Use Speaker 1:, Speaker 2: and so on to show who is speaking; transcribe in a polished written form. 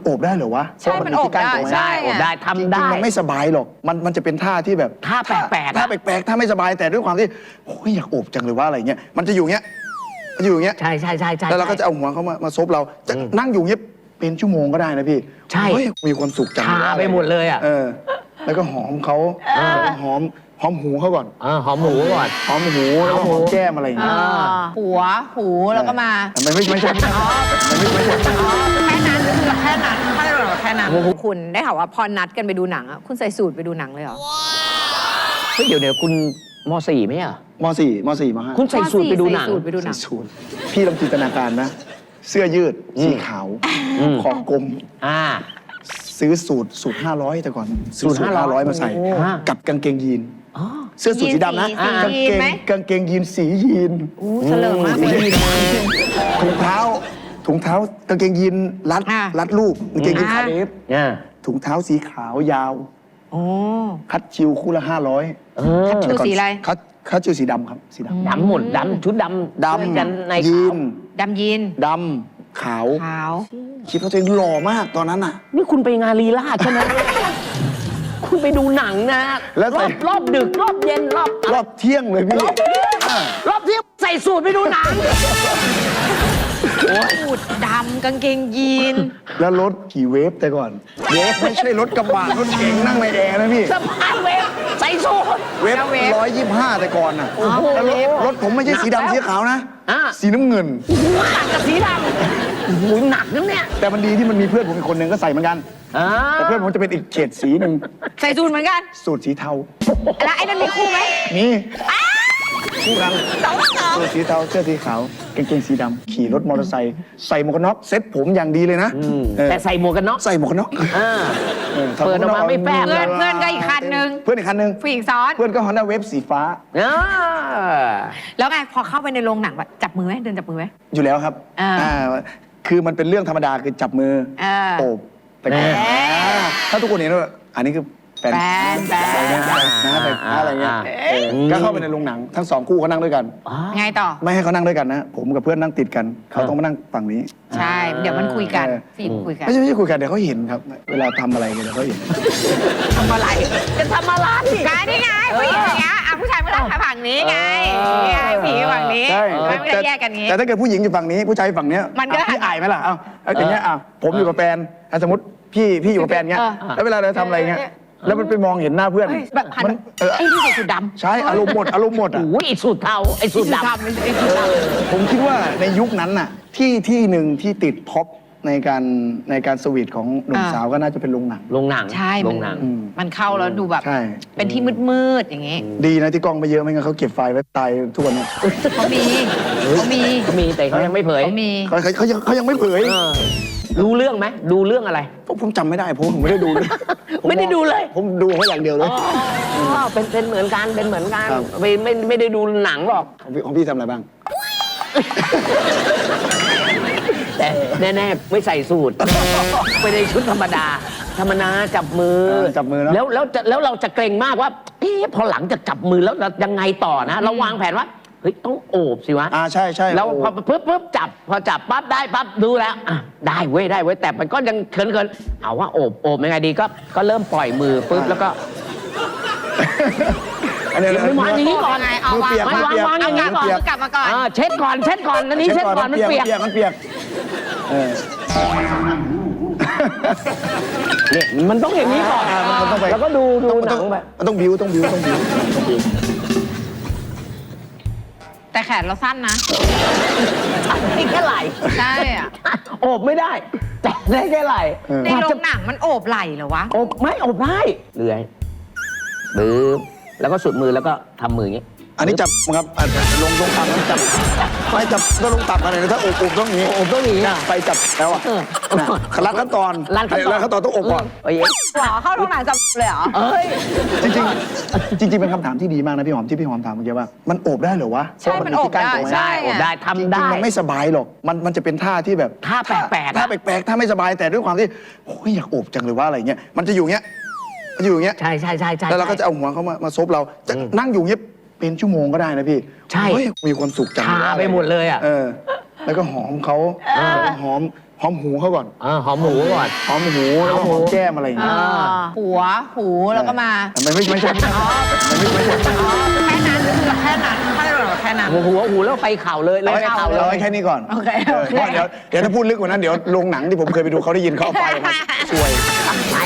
Speaker 1: โอบได้เหรอวะ
Speaker 2: ใช่มันโอบได้
Speaker 3: ได้โอบได้ทำได้
Speaker 1: จริงๆมันไม่สบายหรอกมันจะเป็นท่าที่แบบ
Speaker 3: ท่าแปลกๆ
Speaker 1: ท่าแปลกๆท่าไม่สบายแต่ด้วยความที่โอ้ยอยากโอบจังเลยว่าอะไรเงี้ยมันจะอยู่เงี้ยมันอยู่อย่างเงี้ย
Speaker 3: ใช่ใช่ใช่ใช่
Speaker 1: แล้วเราก็จะเอาหัวเขามาซบเราจะนั่งอยู่เงี้ยเป็นชั่วโมงก็ได้นะพี่
Speaker 3: ใช่
Speaker 1: เฮ้ยมีความสุขจัง
Speaker 3: ชาไปหมดเลยอ่ะ
Speaker 1: แล้วก็หอมเขาหอมหูเขาก่อน
Speaker 3: หอมหมูก่อน
Speaker 1: หอมหูแล้วก็หอมแก้มอะไรอย่างเงี้ย
Speaker 2: หัวหูแล้วก็มา
Speaker 1: มันไม่ใช่
Speaker 2: แค่นั้นคือแค่นั้นถ้าเราแค่นั้นคุณได้ข่าวว่าพอนัดกันไปดูหนังอ่ะคุณใส่สูทไปดูหนังเลยเหรอ
Speaker 3: เฮ้ยเดี๋ยวคุณม .4 ไหมอ่ะ
Speaker 1: ม .4 ม .4 ม .5
Speaker 3: คุณใส่สูทไปดูหนัง
Speaker 2: ใส่สูทไปดูหนัง
Speaker 1: สูทพี่ลองจินตนาการนะ เสื้อยืดสีขาวคอกลมซื้อสูตร500แต่ก่อนซื้อสูตร500มาใส่กับกางเกงยีนเสื้อสูทสีดำนะกางเกงยีนสียีน
Speaker 2: เฉลิมมากเลย
Speaker 1: ถุงเท้ากางเกงยีนรัดรูปกางเกงยีนขาเดฟถุงเท้าสีขาวยาวคัดชิวคู่ละ500
Speaker 2: คัดชูสีอะไร
Speaker 1: คัดชิวสีดำครับสีดำ
Speaker 3: ดำหมดดำชุดดำกันใน
Speaker 1: ยี
Speaker 3: ขาวน
Speaker 2: ดำยีน
Speaker 1: ดำขาวคิดว่าตัวเองหล่อมากตอนนั้นน่ะ
Speaker 3: นี่คุณไปงานลีลาใช่ไหม คุณไปดูหนังนะ
Speaker 1: แล้ว
Speaker 3: รอบดึกรอบเย็น
Speaker 1: รอบเที่ยงเลยพี่
Speaker 3: รอบเที่ยงใส่สูทไปดูหนัง
Speaker 2: สูทดำกางเกงยีน
Speaker 1: แล้วรถขี่เวฟแต่ก่อนเวฟไม่ใช่รถกระบะรถเก๋งนั่งในแอร์นะพี่
Speaker 3: สะพายเวฟใส่สูท
Speaker 1: เวฟ125แต่ก่อนน่ะแล้วรถผมไม่ใช่สีดำสีขาวนะสีน้ำเงิน
Speaker 3: ต่างกับสีดำโอ้โหหนักนะเนี่ย
Speaker 1: แต่มันดีที่มันมีเพื่อนผมอีกคนหนึ่งก็ใส่เหมือนกันแต่เพื่อนผมจะเป็นอีกเฉดสีหนึ่ง
Speaker 2: ใส่สูทเหมือนกัน
Speaker 1: สูตรสีเทา
Speaker 2: แล้วไอ้นั่นมีคู่ไหม
Speaker 1: มีคู่กัน
Speaker 2: สอง
Speaker 1: สูตรสีเทาเสื้อสีขาวกางเกงสีดำขี่รถมอเตอร์ไซค์ใส่หมวกกันน็อกเซ็ตผมอย่างดีเลยนะ
Speaker 3: แต่ใส่หมวกกันน็อก
Speaker 1: ใส่หมวกกันน็อก
Speaker 3: เปิดออกมาไม่แป๊บ
Speaker 2: เพื่อนก็อีกคันนึง
Speaker 1: เพื่อนอีกคันนึง
Speaker 2: ผู้หญิงซ้อน
Speaker 1: เพื่อนก็ฮอนด้าเวฟสีฟ้า
Speaker 2: แล้วไงพอเข้าไปในโรงหนังแบบจับมือไหมเดินจับมือไหม
Speaker 1: อยู่แล้วครับคือมันเป็นเรื่องธรรมดาคือจับมือโอบแต่ถ้าทุกคนเห็นว่าอันนี้คือแฟนอะไรเงี้ยก็เข้าไปในโรงหนังทั้ง2คู่เขานั่งด้วยกัน
Speaker 2: ไงต่อ
Speaker 1: ไม่ให้เขานั่งด้วยกันนะผมกับเพื่อนนั่งติดกันเขาต้องมานั่งฝั่งนี้
Speaker 2: ใช่เดี๋ยวมันคุยกันฟิล์มคุยกัน
Speaker 1: ไม่ใช่คุยกันเดี๋ยวเขาเห็นครับเวลาทำอะไรกันเดี๋ยวเขาเห็น
Speaker 2: ทำอะไร
Speaker 3: จะทำอะไร
Speaker 2: นี่ไงผู้หญิงอย่างเงี้ยผู้ชายผู้ชายฝั่งนี้ไงนี่ไงผีฝั่งนี้ไม่ได้แยกกันงี้
Speaker 1: แต่ถ้าเกิดผู้หญิงอยู่ฝั่งนี้ผู้ชายฝั่งเนี้ย
Speaker 2: มันก็
Speaker 1: พี่อายไหมล่ะอย่างเงี้ยผมอยู่กับแฟนสมมติพี่อยู่กับแฟนเงี้ยแล้วเวลาเราทำอะไรเงี้ยแล้วมันไปมองเห็นหน้าเพื่อน
Speaker 2: แบบหันไอ้ที่ใส่สูทดำ
Speaker 1: ใช่อารมณ์หมดอ่ะ
Speaker 3: โอ้ยไอ้สูตรเทาไอ้สูตรดำ
Speaker 1: ผมคิดว่าในยุคนั้นน่ะที่หนึ่งที่ติดท็อปในการสวีทของหนุ่มสาวก็น่าจะเป็นโรงหนัง
Speaker 3: โรงหนัง
Speaker 2: ใช่
Speaker 3: โรงหนัง
Speaker 2: มันเข้าแล้วดูแบบ
Speaker 1: ใช่
Speaker 2: เป็นที่มืดๆอย่างงี้
Speaker 1: ดีนะที่กล้องไม่เยอะไม่งั้นเขาเก็บไฟล์ไว้ตายทุกวันนี้
Speaker 2: เขามี
Speaker 3: แต่เขายังไม่เผย
Speaker 1: เขายังไม่เผย
Speaker 3: รู้เรื่องไหมดูเรื่องอะไร
Speaker 1: ผมจำไม่ได้ผมไม่ได้ดูเลย
Speaker 3: ไม่ได้ดูเลย
Speaker 1: ผมดูเขาอย่างเดียวเลย
Speaker 3: เป็นเหมือนกันไม่ได้ดูหนังหรอก
Speaker 1: ของพี่ทำอะไรบ้าง
Speaker 3: แต่แน่ๆไม่ใส่สูทไปในชุดธรรมดาจับมือ แล้วเราจะเกรงมากว่าพอหลังจากจับมือแล้วยังไงต่อนะเราวางแผนว่าเฮ้ยต้องโอบสิวะ
Speaker 1: ใช่
Speaker 3: แล้วพอปุ๊บจับพอจับปั๊บได้ปั๊บดูแล้วได้เว้ยแต่มันก็ยังเขินเอาว่าโอบยังไงดีก็เริ่มปล่อยมือปุ๊บแล้วก็ไม่วางอย่างนี้ก่อนไง
Speaker 2: เอาวาง
Speaker 3: อย่างนี้ก่อน
Speaker 2: กลับมาก่อน
Speaker 3: เช็ดก่อนอันนี้เช็ดก่อนมันเปียกเนี่ยมันต้องอย่างนี้ก่อนแล้วก็ดูหนังแบบ
Speaker 1: มันต้องบิ้ว
Speaker 2: แต่แขนเราสั้นนะ
Speaker 3: ได้แค่ไหล่
Speaker 2: ใช่อ่ะ
Speaker 3: โอบไม่ได้แต่ได้แค่ไหล่
Speaker 2: ในโรงหนังมันโอบไหล่เหรอวะ
Speaker 3: โอบไม่โอบได้เลื่อยบื้อแล้วก็สุดมือแล้วก็ทำมืออย่างนี้
Speaker 1: อันนี้จับครับลงตับจับไปจับก็ลงตับอะไรนะถ้าโอบต้องนี้ไปจับแล้วรัดขั้นตอนต้องโอบก่อน
Speaker 2: หรอเข้าโรงหนังจับเลยเหรอ
Speaker 1: จริงเป็นคำถามที่ดีมากนะพี่หอมที่พี่หอมถามเมื่อกี้ว่ามันโอบได้เหรอวะ
Speaker 2: ใช่มันโอบได้
Speaker 3: ทำได้
Speaker 1: มันไม่สบายหรอกมันจะเป็นท่าที่แบบ
Speaker 3: ท่าแปลก
Speaker 1: ท่าไม่สบายแต่ด้วยความที่โอ้ยอยากโอบจังเลยว่าอะไรเงี้ยมันจะอยู่เงี้ย
Speaker 3: ใช่
Speaker 1: แล้วเราก็จะเอาหัวเขามาซบเราจะนั่งอยู่เงี้ยเป็นชั่วโมงก็ได้นะพี่
Speaker 3: ใช่
Speaker 1: มีความสุขจัง
Speaker 3: ชาไปหมดเลย
Speaker 1: แล้วก็หอมเขาหอมหูเขาก่อน
Speaker 3: หอมหมูก่อน
Speaker 1: หอมหูแล้วก็หอมแก้มอะไรอย่างเงี้ย
Speaker 2: หัวหูแล้วก็มา
Speaker 1: มันไม่ใช่
Speaker 2: อ๋อแค่นั้นคือแบบแค่นั้นถ้าเราแบบแค่นั้น
Speaker 3: หูแล้วไปเข่าเลยเลยไปเข่าเล
Speaker 1: เอา
Speaker 3: ย
Speaker 1: ไว้แค่นี้ก่อน
Speaker 2: โอเค
Speaker 1: เพราะเดี๋ยวถ้าพูดลึกกว่านั้นเดี๋ยวโรงหนังที่ผมเคยไปดูเขาได้ยินเขาเอาไฟมาช่วย